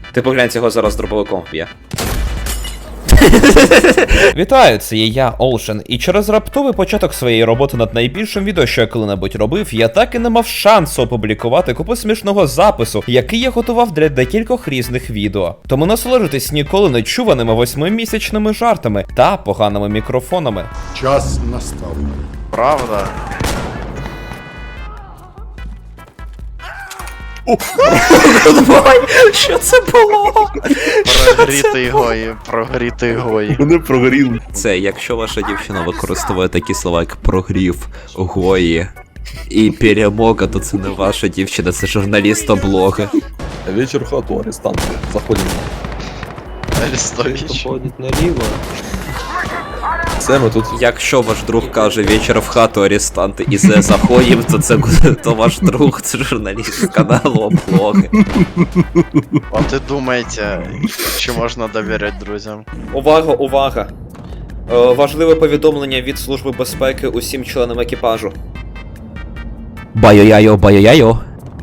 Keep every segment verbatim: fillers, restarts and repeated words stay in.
Ти поглянь, цього зараз дробовиком б'є. Вітаю, це є я, Олшен, і через раптовий початок своєї роботи над найбільшим відео, що я коли-небудь робив, я так і не мав шансу опублікувати купу смішного запису, який я готував для декількох різних відео. Тому насолоджуйтесь ніколи не чуваними восьмимісячними жартами та поганими мікрофонами. Час настав. Правда? Що це було? Прогрітий гої, прогрітий гої. Вони прогоріли. Це якщо ваша дівчина використовує такі слова, як прогрів, гої і перемога, то це не ваша дівчина, це журналіст облоги. Вечір в хату, арестанти. Заходимо. Арестович. Ходить наліво. Все, ми тут. Якщо ваш друг каже вечір в хату арестанти і зе заходім, то це то ваш друг, це журналіст з каналу облоги. От і думаєте, чи можна довіряти друзям? Увага, увага! Е, важливе повідомлення від Служби безпеки усім членам екіпажу. Байо-яйо, байо-яйо.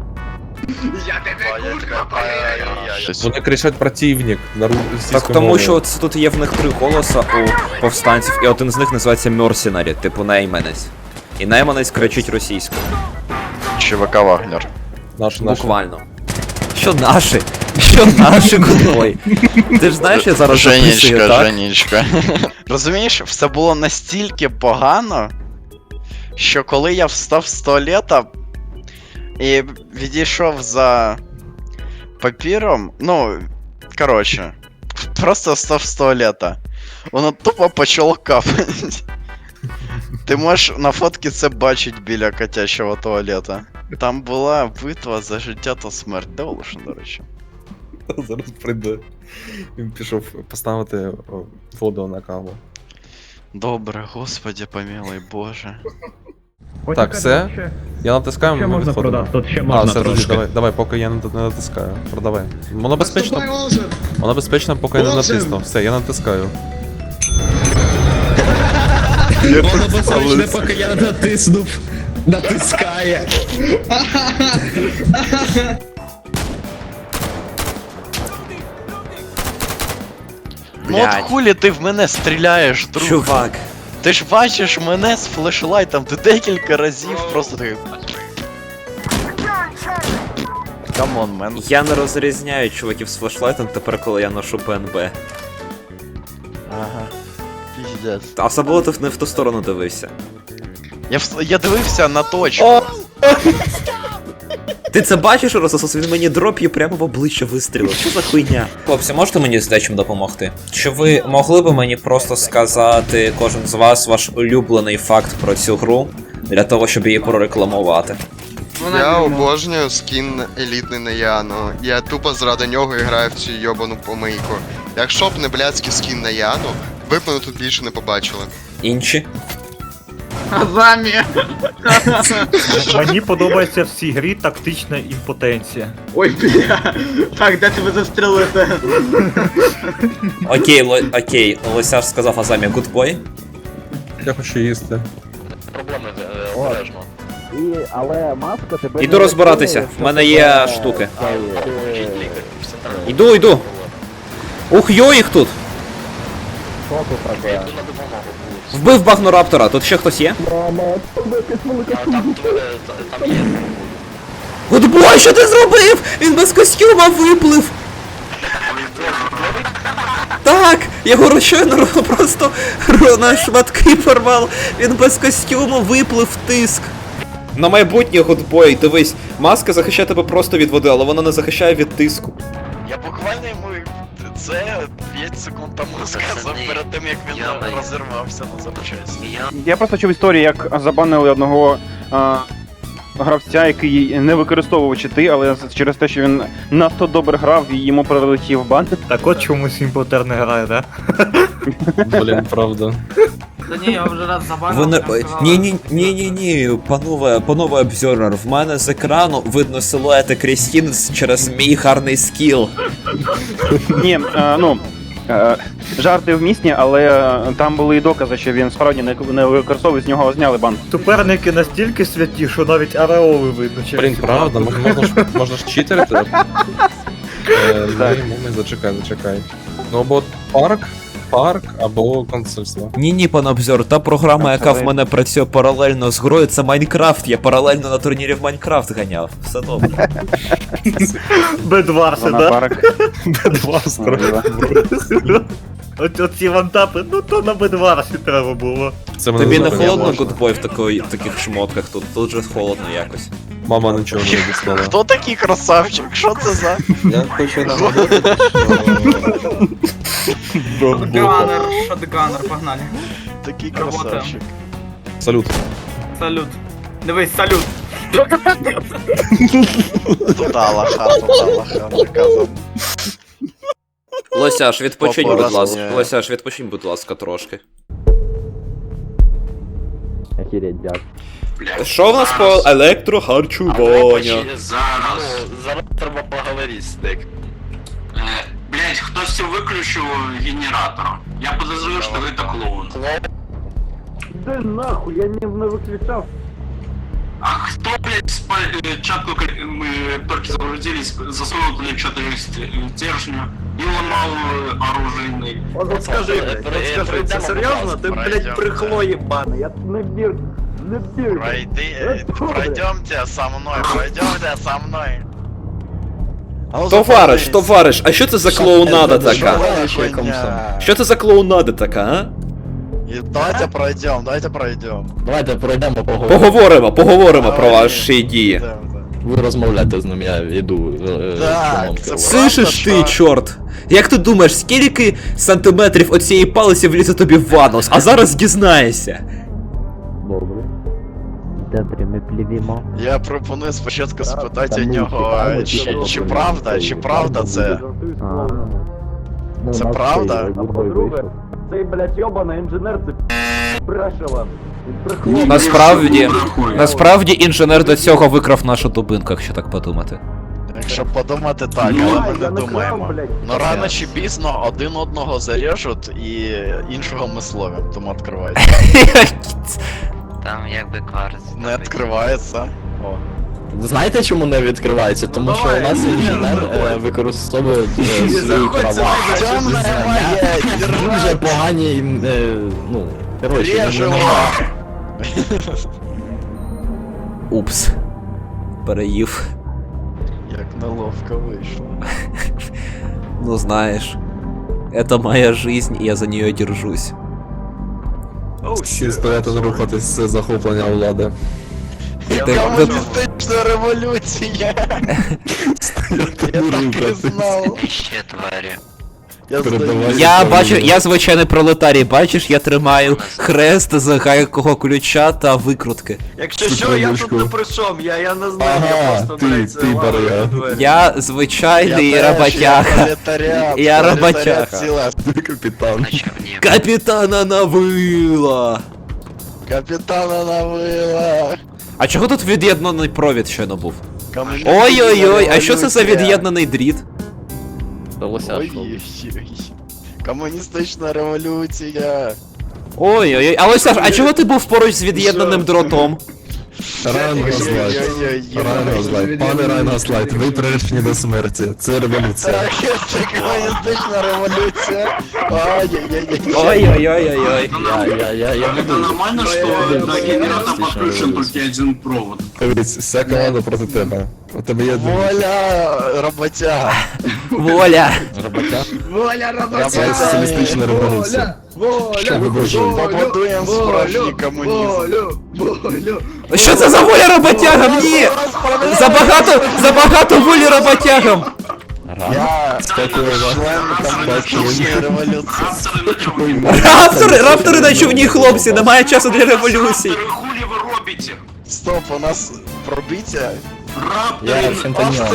Вони кричать противник на російській Так тому мові. що це тут є в них три голоса у повстанців, і один з них називається Мерсінарі, типу найманець. І найманець кричить російською. ЧВК Вагнер. Наш, наш. Буквально. Що наші? Що наші, куди? Ти ж знаєш, я зараз записую, Женечка, так? Женечка. Розумієш, все було настільки погано, що коли я встав з туалета і відійшов за папіром, ну, коротше, просто встав з туалета, воно тупо почало капати. Ти можеш на фотці це бачити біля котячого туалета. Там була битва за життя та смерть. Де Олешин, до речі? Зараз прийде. Він пішов поставити о, воду на каву. Добре, господи помилуй, боже. Так, все. Я натискаю, Ще ми можна відходимо. продати, тут ще А, можна все, трошки. друзі, давай, давай, поки я не не натискаю. Продавай. Воно безпечно. Воно безпечно, поки я не натиснув. Все, я натискаю. Воно безпечне, поки я не натиснув. Натискає. Ну от Блядь. хулі ти в мене стріляєш, друг. Чувак. Ти ж бачиш мене з флешлайтом, ти декілька разів просто такий. Камон, мен. Я не розрізняю чуваків з флешлайтом тепер, коли я ношу ПНБ. Ага. Піздець. А особливо ти не в ту сторону дивився. Я, в... я дивився на точку. Ти це бачиш, Рососос? Він мені дроп'є прямо в обличчя вистрілив. Що за хуйня? Хлопці, можете мені з дечим допомогти? Чи ви могли б мені просто сказати, кожен з вас, ваш улюблений факт про цю гру, для того, щоб її прорекламувати? Я обожнюю скін елітний на Яну. Я тупо заради нього граю в цю йобану помийку. Якщо б не блядський скін на Яну, ви б мене тут більше не побачили. Інші? Мені подобається в цій грі тактична імпотенція. Ой, бля, так, де тебе застрелити? Окей, ло... окей, Лосяш сказав Азамі гудбой. Я хочу їсти. Іду розбиратися, в мене є штуки. Іду, іду. Ух, йо їх тут. Вбив Багнораптора, тут ще хтось є? Гудбой, що ти зробив? Він без костюма виплив. Так, його щойно просто на шматки порвав. Він без костюму виплив в тиск. На майбутнє, Гудбой, дивись, маска захищає тебе просто від води, але вона не захищає від тиску. Я буквально йому це п'ять секунд тому сказав перед тим, як він розірвався на запчасті. Я просто чув історію, як забанили одного а, гравця, який не використовував чити, але через те, що він надто добре грав, і йому прилетів бан. Так от чомусь імпотер не грає, да? Блін, правда. Та ні, я вже раз забанив. Ви не... Ні, ні, ні, ні, ні, панове, панове обзорнер, в мене з екрану видно силуети Крістін через мій гарний скіл. Ні, а, ну, а, жарти вмісні, але там були і докази, що він справді не, не використовує, з нього зняли бан. Суперники настільки святі, що навіть ареоли видно через. Блін, правда, можна ж, можна ж читерити. Е, ні, момент, зачекай, зачекай. Ну або парк, парк, або консульство. Ні, ні, пан обзор, та програма, яка в мене працює паралельно з грою, це Майнкрафт. Я паралельно на турнірі в Майнкрафт ганяв. Все добре. Бедварси, Вона да? парк. От оці вантапи, ну то на Бедварсі треба було. Це мене Тобі не зупиняє. холодно, гудбой, в такої- в таких шмотках тут? Тут же холодно якось. Мама нічого не обіцяла. Хто такий красавчик? Що це за? Я хочу нагадати, Шотганер, шотганер, погнали. Такий Работаємо. красавчик. Салют. Салют. Дивись, салют. Тута лоха, тута лоха, наказом. Лосяш, відпочинь, Папа будь ласка. розуміє. Лосяш, відпочинь, будь ласка, трошки. Що в нас по електрохарчуванню? Зараз. Зараз треба поговорити з тик. Блять, хтось виключив генератор. Я подозрюю, що ви так клоун. Да нахуй, я не, не виключав. А кто, блядь, спа- э, чатку, э, мы только загрузились, засунул туда что-то стержня и ломал э, оружейный. От скажи, блядь, от скажи, це серйозно? Ти, блядь, брехло єбане, я не бір, не бір. Пройди, пройдемте со мной, пройдемте со мной. А ну, Товариш, запомнись. товариш, а що це за клоунада така? Що за хуйня? Що це за клоунада така, а? І давайте пройдем, давайте пройдем. Давайте пройдемо поговоримо. Поговоримо, поговоримо про Давай. ваші дії. Йдемо, йдемо. Ви розмовляєте з ним, я йду. е, Так, шумом. це Слышиш ти, правда, що- чорт? Як ти думаєш, скільки сантиметрів оцієї палиці влізе тобі в анус? А зараз дізнаєшся. Добре. Добре, ми плівімо. Я пропоную спочатку спитати у Та ну, нього, цікаво, чи, цікаво, чи цікаво. правда, чи правда це? Ну, Це у нас правда? цей, А Гудбой по-друге, вийшов. цей, блядь, йобаний інженер, це бреше вам. Він брехло. Насправді, Брехує. насправді інженер до цього викрав нашу дубинку, якщо так подумати. Якщо подумати так, Ні, але ми я не не думаємо. крав, блядь. Ну рано чи пізно один одного зарежуть і іншого ми словимо, тому відкривайте. Там якби кварц. Не відкривається. О. Знаєте, чому не відкривається? Тому що у нас інженер е, використовує е, свої права. Темна магія, Дуже погані, е, ну, коротше, не- Режемо! Упс. Переїв. Як неловко вийшло. Ну знаєш. Это моя жизнь, і я за нее держусь. Всі стояти не рухатись, це захоплення влади. Ти- Комуністична революція! Я так і знав. Ще тварі. Я Передавай. здаю. Я бачу, я звичайний пролетарій, бачиш, я тримаю хрест з гайкового ключа та викрутки. Якщо що, я тут не при чому, я, я не знаю, я Ага, просто, ти, блядь, ти ламаю барига. двері. Я звичайний Я теж, я роботяга. пролетаріат, Я пролетаріат роботяга. ціла. Ти капітан. Капітана навила! Капітана навила. А чого тут від'єднаний провід щойно був? Комуністична Ой-ой-ой, а що це за революція. від'єднаний дріт? Вдалося, що Ой-ой-ой. Комуністична революція. Ой-ой-ой, а ось, а чого ти був поруч з від'єднаним дротом? Райнгазлайт. Райнгазлайт. Пане Райнгазлайт, ви приречені до смерті. Це революція. Так, це комуністична революція. Ай-яй-яй-яй. Ой-ой-ой-ой-ой. я, я, я, я Это буду. нормально, что до генератора подключен только один провод? Дивись, вся команда проти тебе. У тебе є Воля, роботяга. Воля! Роботяг. це соціалістична революція. Що ви бажаєте? Побудуємо справжній комунізм. Що це за воля роботягам? Ні! Забагато, забагато волі роботягам! Я Дякую вам. член комуністичної революції. Раптори, раптори на човні, хлопці, немає часу для революції. Хули вы робите? Стоп, у нас пробиття. Я Рапторы. фентаніон.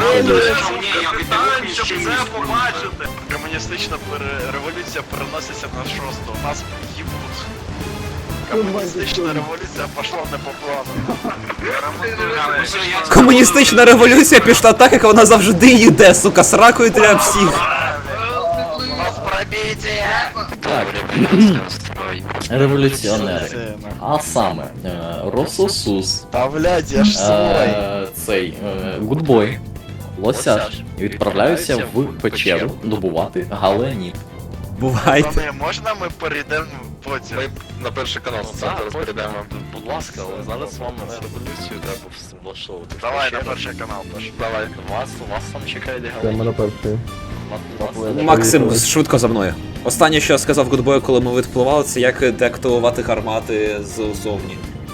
Комуністична пере- революція переноситься на шосту. У нас їбуть. Комуністична революція пішла не по плану. Комуністична революція пішла так, як вона завжди йде, сука, сракою для всіх. У нас пробиття! Так, революціонери. А саме, е, Рососус, Та блядь, я ж свой. е, цей, е, Гудбой лосяш і відправляються в печеру добувати галеніт. Бувайте. Пане, можна ми перейдемо потім? На перший канал зараз перейдемо. Будь ласка, але зараз вам революцію треба влаштовувати. Давай на перший канал, Паш. Давай, вас, вас там чекає галеніт. Максим, швидко за мною. Останнє, що я сказав Гудбою, коли ми відпливали, це як деактивувати гармати ззовні.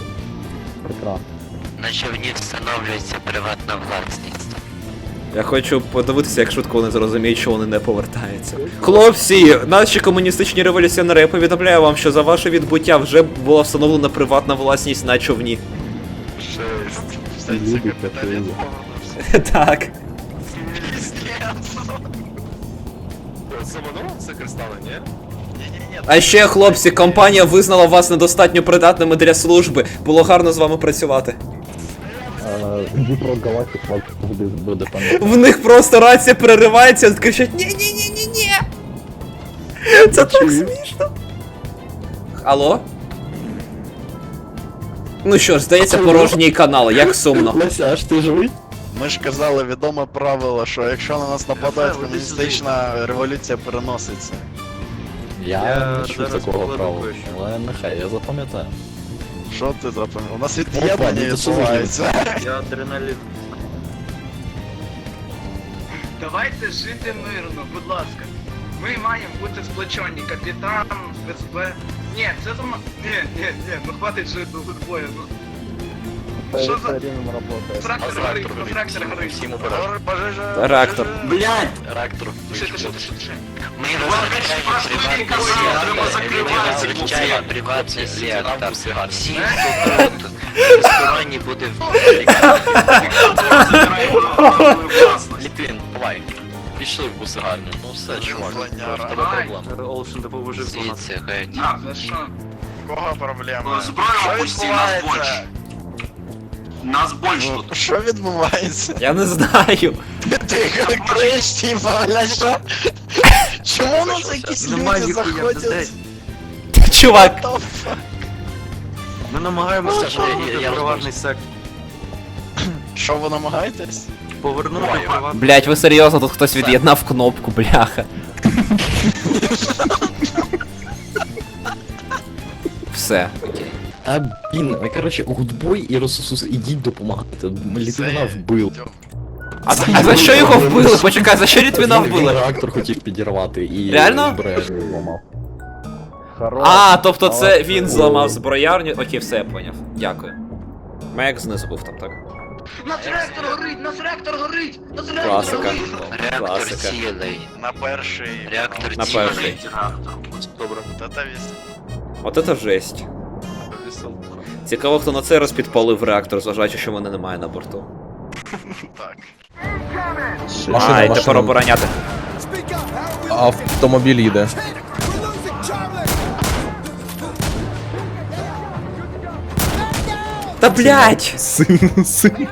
На човні встановлюється приватна власність. Я хочу подивитися, як швидко вони зрозуміють, що вони не повертаються. Хлопці, наші комуністичні революціонери, я повідомляю вам, що за ваше відбуття вже була встановлена приватна власність на човні. Жесть. Все, це капіталізм повернувся. Так. Це кристали, ні? Ні-ні-ні. А ще, хлопці, компанія визнала вас недостатньо придатними для служби. Було гарно з вами працювати. В них просто рація переривається, кричать ні-ні-ні-ні-ні. Це так смішно. Алло? Ну що ж, здається, порожній канал, як сумно. Лосяш, ти живий? Ми ж казали відоме правило, що якщо на нас нападають, комуністична революція переноситься. Я не чув такого правила, але нехай, я запам'ятаю. Що ти запам'ятав? У нас Опа, від'єднання ну це що відбувається. Я адреналін. Давайте жити мирно, будь ласка. Ми маємо бути сплочені, капітан, СБ. Ні, це зама... Ні, ні, ні, ну хватить жити до гудбою, ну. Що за... Трактор горить, трактор горить. Всім уперед. Пожежа. Реактор. Блядь! Реактор. Туши, туши, туши, туши. Ми Прошлий казав, треба закривати. вивчаємо приватний сектор. Всі, хто тут, безсторонній буде в Ліпін, давай. Пішли в бусигарню. Ну все, чувак, Злоняра. в тебе проблем. Олшен допоможив у нас. звідси геть. А, за що? Кого проблема? Зброю Що опусти, нас відбувається? більше. Нас більше Ну, тут. Що відбувається? Я не знаю. Ти криш, типа, бля, що? Чому у нас якісь Нема люди ніхуя, заходять? блядь. Чувак. What the fuck? Ми намагаємося Ну, що, повернути я приватний сектор. Що ви намагаєтесь? Повернути приватний. Блять, ви серйозно, тут хтось від'єднав кнопку, бляха. Все. А, блін, ви, коротше, гудбой і Росусус, ідіть допомагати. Літвіна вбив. А, за- а за що його вбили? Почекай, за що Літвіна Він вбили? реактор хотів підірвати і Реально? збереження зламав. А, тобто це він зламав зброярню. Окей, все, я поняв. Дякую. Мек знизу був там, так? Нас реактор горить, нас реактор горить! Нас реактор Класика. горить! Реактор Класика. цілий. На перший. Реактор На цілий. перший. Добре. Та-та віс. От это жесть. Цікаво, хто на цей раз підпалив реактор, зважаючи, що мене немає на борту. Так. Машина, а, і машина. тепер обороняти. Автомобіль їде. Та блять! Син, син.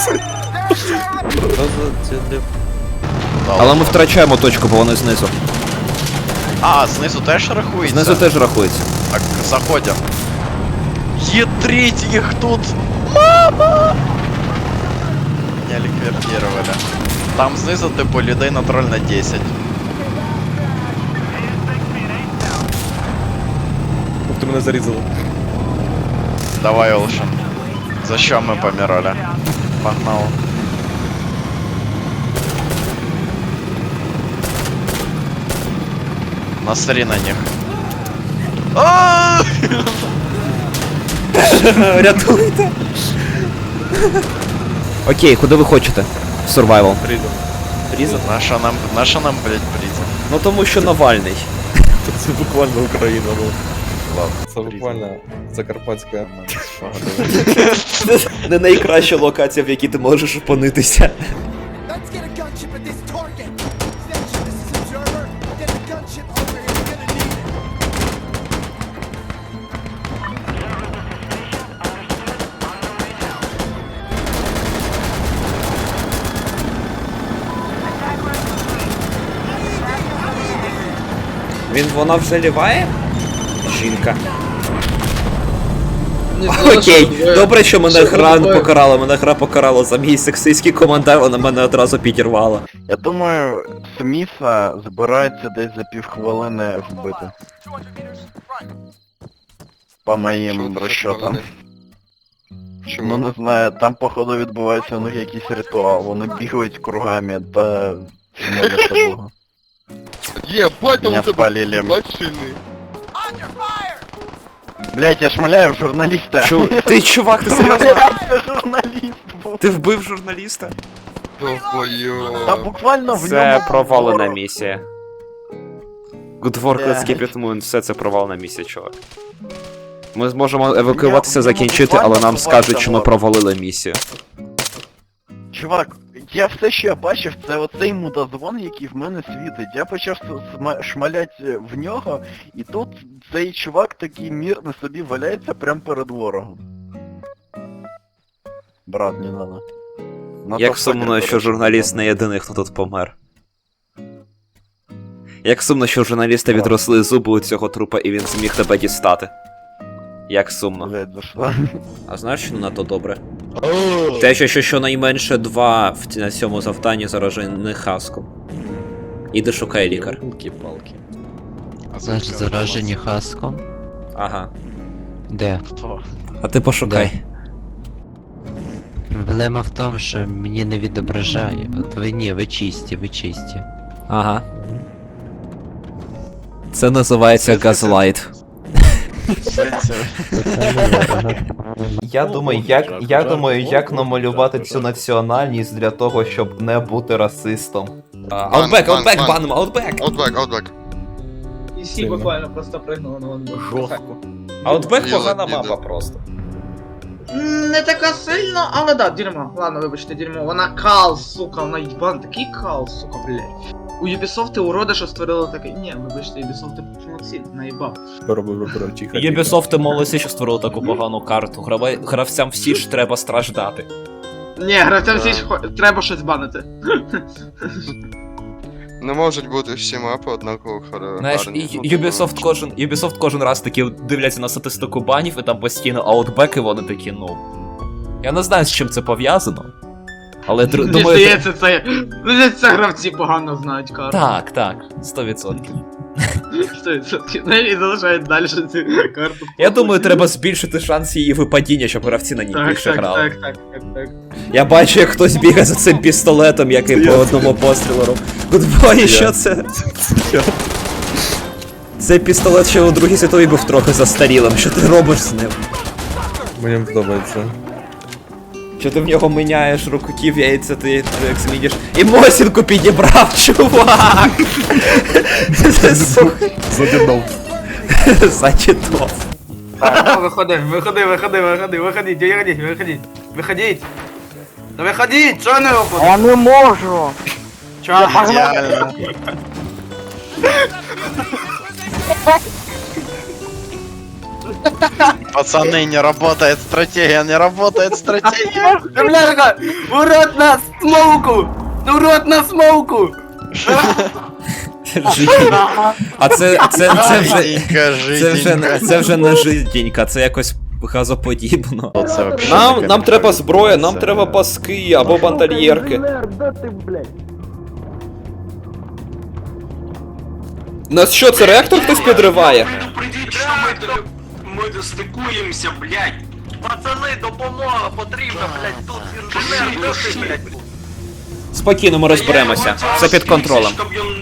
Але ми втрачаємо точку, бо вони знизу. А, знизу теж рахується? Знизу теж рахується. Так, заходим. Ядрить их тут! Мама! Меня ликвидировали. Там знизу типу людей на троль на десять. Ти мене зарізали. Давай, Олшен. За що ми помирали? Погнал. Насри на них. А! Рятуйте! Окей, куди ви хочете? Survival. Прийду. Прізон? Наша нам, наша нам, блять, призм. Ну тому що Навальний. Це буквально Україна була. Ладно. Це буквально Закарпатська. Не найкраща локація, в якій ти можеш опинитися. Він, вона вже ліває? Жінка. Окей, добре, що мене гра покарала, мене гра покарала за мій сексистський коментар, вона мене одразу підірвала. Я думаю, Сміса збирається десь за півхвилини вбити. По моїм розчотам. Ну не знаю, там походу відбувається у них якийсь ритуал, вони бігають кругами та... моляться Богу. Єбать, Меня спалили. Блять, я шмаляю в журналіста. Чу... Ти чувак, ти серйозно? Я журналіст був. Ти вбив журналіста? Та буквально в Це ньому... провалена місія. Good work, let's keep it moving, все це провалена місія, чувак. Ми зможемо евакуюватися, закінчити, але нам скажуть, що ми провалили місію. Чувак, я все, що я бачив, це оцей мудозвон, який в мене світить. Я почав сма- шмалять в нього, і тут цей чувак такий мирно собі валяється прямо перед ворогом. Брат, не надо. На Як то сумно, факер, що журналіст не єдиний, хто тут помер. Як сумно, що у журналіста відросли зуби у цього трупа і він зміг тебе дістати. Як сумно. Блять, за що? А знаєш, що не надто добре? Те, що, що щонайменше два в ці- на цьому завданні заражені хаском. Іди шукай лікар. Палки. Значить, заражені хаском? Ага. Де? Хто? А ти пошукай. Проблема в тому, що мені не відображає. От ви ні, ви чисті, ви чисті. Ага. Це називається газлайт. Я думаю, як, я думаю, як намалювати цю національність для того, щоб не бути расистом. Аутбек, бан, аутбек, бан. банимо, аутбек! Outback, Outback. І всі буквально просто пригнули на одну. Жорстко. Аутбек Діло, погана діло. мапа просто. Не така сильно, але да, дерьмо. Ладно, вибачте, дерьмо. Вона кал, сука, вона їбан, такий кал, сука, блядь. У Ubisoft уроди, що створили таке. Ні, вибачте, Ubisoft молодці, наїбав. Ubisoft молодці, що створили таку погану карту. Грава- Гравцям всі ж треба страждати. Ні, гравцям всі ж хо- треба щось банити. Не можуть бути всі мапи однаково хар- Знаєш, гарні. і Ну, типу, Ubisoft кожен, Ubisoft кожен раз такі дивляться на статистику банів, і там постійно аутбеки, вони такі, ну. Я не знаю, з чим це пов'язано. Але др- Мені думаю. здається, це. Мені це гравці погано знають карту. Так, так, сто відсотків. сто відсотків. Ну і залишають далі цю карту. Я думаю, треба збільшити шанс її випадіння, щоб гравці на ній Так, більше так, грали. так, так, так, так. Я бачу, як хтось бігає за цим пістолетом, який по одному пострілу робить. Гудбой, що це? Цей пістолет ще у Другій світовій був трохи застарілим. Що ти робиш з ним? Мені подобається. Що ти в нього міняєш рукоків, яйця, ти ти як зміниш. І Мосінку підібрав, чувак! Це сука. Задідов. Зачитав. Так, виходи, виходи, виходи, виходи, виходіть, виходіть, виходіть, виходіть. Та виходіть, чого не виходить? Я не можу! Чого? Ідеально. Пацаны, не работает стратегия, не работает стратегия. Бляха, урод на смоуку! Урод на смоуку! А це, це, це вже... Жиденько, Це вже, жиденько. це вже не жиденька, це якось газоподібно. Це вообще Нам, таке. нам треба зброя, нам треба паски або бандольєрки. Нас що, це реактор хтось підриває? Придіть, що ми, ми стикуємося, блядь. Пацани, допомога потрібна, блядь, тут інженер, де ти, блядь? Спокійно, ми розберемося. Все під контролем.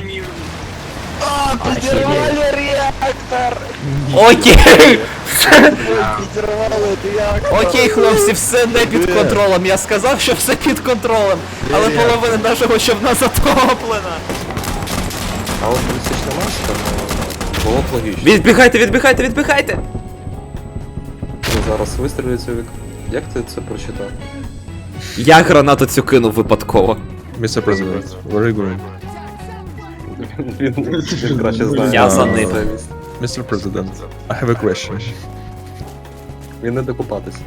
Підірвали реактор! Окей! Підірвали реактор! Окей, хлопці, все не під контролем. Я сказав, що все під контролем. Але половина нашого човна затоплена. А от балістична маска, ну, було б логічно. Відбігайте, відбігайте, відбігайте! Ну, зараз вистрілюється вік. Як ти це прочитав? Я гранату цю кинув випадково. містер Президент, very good. Він, він краще знає. Я за ним. містер Президент, I have a question. Він не докупатись.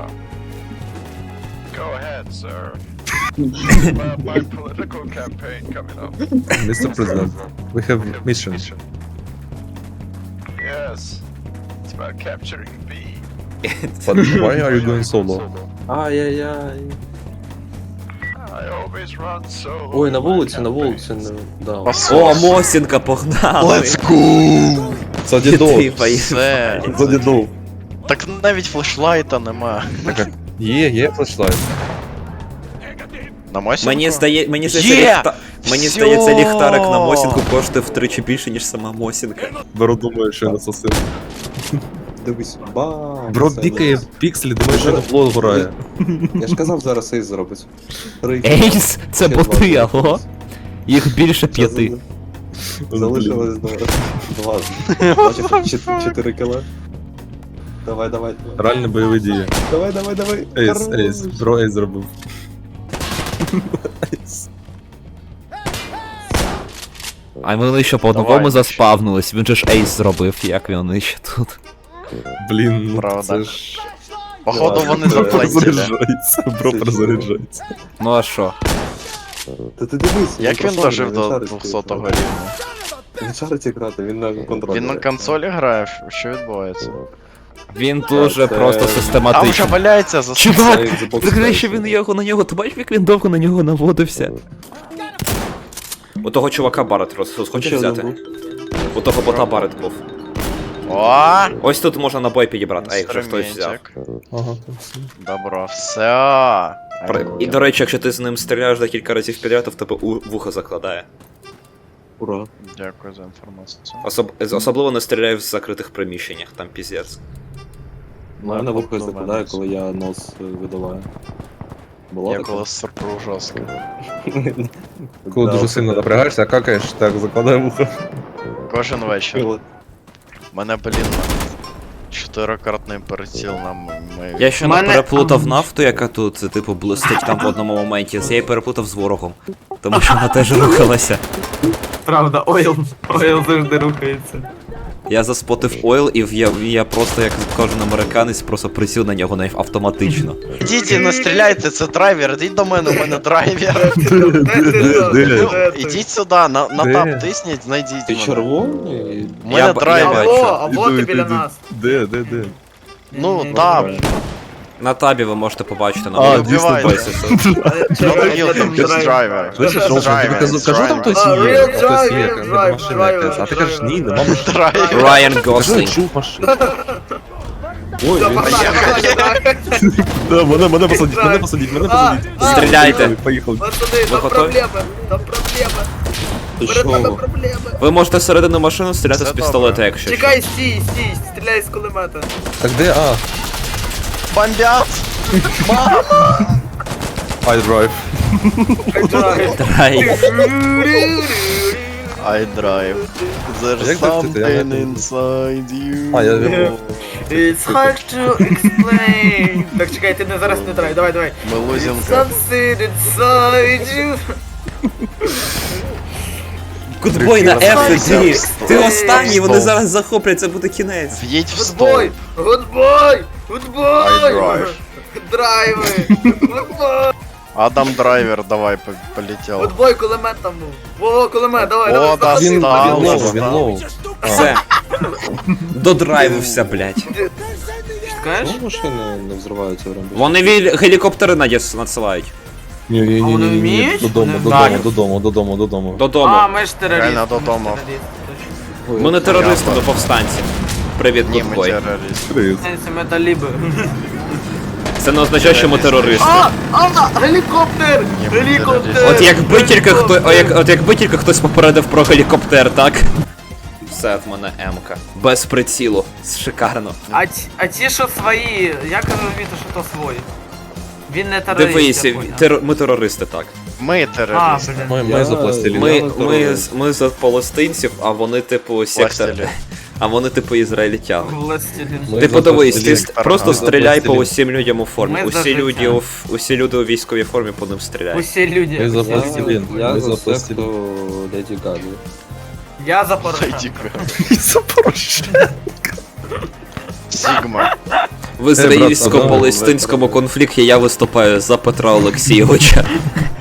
містер Президент, we have mission. Yes. It's about capturing B. But why are you going solo? Ай-яй-яй. Ой, на вулиці, на вулиці, не... да. О, Мосінка, погнали! Let's go! За дідов. Ти поїхав. Все. За дідов. Так навіть флешлайта нема. Є, є флешлайт. На Мосінку? Мені здає, мені здається, Є! ліхта... мені Всьо! здається, ліхтарик на Мосінку коштує втричі більше, ніж сама Мосінка. Беру, думаю, що я насосив. Дивись, бам! Бро Це пікає дивись. пікселі, думаю, що на флот грає. Я ж казав, зараз ейс зробить. Три. Ейс, це Ще боти, два. алло? Їх більше п'яти. Залишилось два. Два. Бачиш, чот- чотири кіла. Давай, давай. давай. Реально бойові дії. Давай, давай, давай. Ейс, Хорош. ейс, бро ейс зробив. А вони ще по Давай. одному заспавнулись, він же ж ейс зробив, як вони ще тут. Блін, ну Правда. це ж... Походу вони Да. заплатили. Перезаряджається, бро Це перезаряджається. Ну а що? Та ти дивись. Як він прошарений, дожив він до шарить двохсотого грати. рівня? Він шарить грати, він на контролі. Він на консолі грає? Що відбувається? Він дуже це- просто Там вже систематичний. валяється за Чувак, Це Xbox прикрий, що Live. він його на нього, ти бачиш, як він довго на нього наводився? У того чувака Барет роз... хочеш Ще один взяти? був. У того бота Барет був. О! Ось тут можна набой підібрати, а якщо хтось взяв. Інструментик. Ага, там все. Добро, все. При- І до речі, якщо ти з ним стріляєш декілька разів підряд, то в тебе у вухо закладає. Ура. Дякую за інформацію. Особ... Особливо не стріляй в закритих приміщеннях, там піздець. У мене вухо Ну, закладає, мене коли я нос е, видаваю. Було Я таке? коли сорпру жорстко. Коли Да, дуже сильно це- напрягаєшся, а какаєш, так, закладай вухо. Кожен вечір. Коли- Мене, блін, чотирикратний приціл на м- ми. Я ще не Мене- переплутав нафту, яка тут, це, типу, блистить там в одному моменті. Я її переплутав з ворогом. Тому що вона теж рухалася. Правда, ойл, ойл завжди рухається. Я заспотив ойл, і я, я просто, як кожен американець, просто присів на нього навіть автоматично. Ідіть і не стріляйте, це драйвер, ідіть до мене, у мене драйвер. Ну, ідіть сюди, на, на Де? тап тисніть, знайдіть Ти мене. червоний? У мене Я б- драйвер. я бачу. або Іду, ти іду, біля іду. нас. Де, де, де? Ну, тап. На табі ви можете побачити на А, моєму дійсно, девайсі. Not real him, just driver. Слышиш, Just Олшен, тобі driver, кажу, кажу, там driver. хтось А, є, real хтось є, driver, там driver, машина якась, а ти driver. кажеш, ні, нема машини. Драйвер. Райан Кажу, я Гослінг. чув машину. Ой, він... Да, мене, мене посадіть, мене посадіть, мене посадіть. Стріляйте. Поїхали. Пацани, Ви готові? там проблема. Ти що? проблема. Ви можете всередину машину стріляти Все з пістолета, добре. якщо що. Чекай, стій, стій, стріляй з кулемета. Так де, а? Бомбят! I drive. Драйв. I drive. There's Як так ти? Я something не- inside you. А, я вірю. It's hard to explain. Так, чекай, ти не зараз не трай, давай, давай. Ми лузимо. Something inside you. Гудбой на F іди. Ти Стоп. останній, вони Стоп. зараз захоплять, це буде кінець. В'їдь в стол. Гудбой, гудбой, I гудбой. drive. Драйви. Гудбой. Адам драйвер, давай, по- полетів. Гудбой, кулемет там був. О, кулемет, давай, О, давай. та заходи. Він, він став. лоу, він лоу. Все. Додрайвився, блядь. Чекаєш? Чому машини не взриваються в рембі? Вони віль- гелікоптери надіс надсилають. Ні, ні, ні, А вони ні, ні, вміють? додому, Не додому, знаю. додому, додому, додому. Додому. А, ми ж терористи. Реально додому. Ми ж терористи. Ми не терористи, ми повстанці. Привіт, Ні, ми Гудбой. терористи. Привіт. Це ми таліби. Це не означає, що ми терористи. А, а, гелікоптер! Ні, ми Гелікоптер! терористи. От якби тільки хто, о, як, от якби тільки хтось попередив про гелікоптер, так? Все в мене М-ка. Без прицілу. Шикарно. А, ті- а ті, що свої, як розуміти, що то свої? Він не терорист, Дивися, я поняв. тер... ми терористи, так. Ми А, терористи. блін. Ми, Я- ми запластили. Ми, не ми, терорист. ми за палестинців, а вони типу сектор. Пластилін. А вони типу ізраїльтяни. Властелін. Ми Ти за подивись, ти пластилін. ст- просто Ми за стріляй по пластилін. усім людям у формі. Ми за Усі життя. люди у, ф- усі люди у військовій формі по ним стріляй. Усі люди. Ми за усі пластилін. люди. Я Ми за за пластилін. секту Леді Гаги. Я за Порошенка. Сігма. В ізраїльсько-палестинському конфлікті я виступаю за Петра Олексійовича.